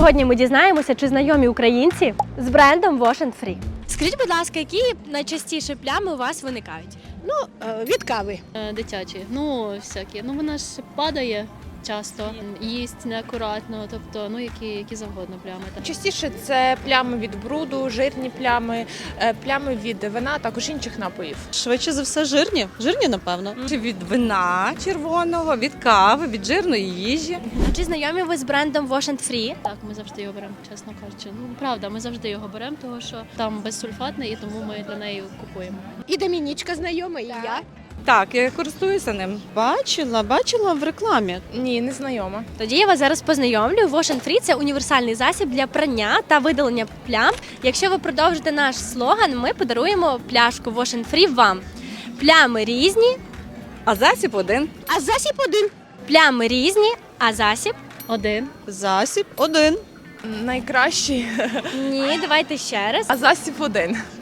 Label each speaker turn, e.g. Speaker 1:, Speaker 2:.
Speaker 1: Сьогодні ми дізнаємося, чи знайомі українці з брендом Wash & Free. Скажіть, будь ласка, які найчастіше плями у вас виникають?
Speaker 2: Від кави.
Speaker 3: Дитячі, всякі. Вона ж падає часто, їсть неакуратно, тобто, які завгодно плями. Так.
Speaker 4: Частіше це плями від бруду, жирні плями, плями від вина, також інших напоїв.
Speaker 5: Швидше за все жирні. Жирні, напевно. Чи від вина червоного, від кави, від жирної їжі.
Speaker 1: А чи знайомі ви з брендом Wash & Free?
Speaker 3: Так, ми завжди його беремо, чесно кажучи. Правда, ми завжди його беремо, тому що там безсульфатний, і тому ми для неї купуємо.
Speaker 2: І Домінічка знайома, і я.
Speaker 5: Так, я користуюся ним. Бачила в рекламі.
Speaker 4: Ні, не знайома.
Speaker 1: Тоді я вас зараз познайомлю. Wash & Free – це універсальний засіб для прання та видалення плям. Якщо ви продовжите наш слоган, ми подаруємо пляшку Wash & Free вам. Плями різні,
Speaker 5: А засіб один.
Speaker 2: А засіб один.
Speaker 1: плями різні, а засіб?
Speaker 3: Один.
Speaker 5: Засіб один.
Speaker 4: Найкращий,
Speaker 1: Ні, давайте ще раз.
Speaker 4: а засіб один.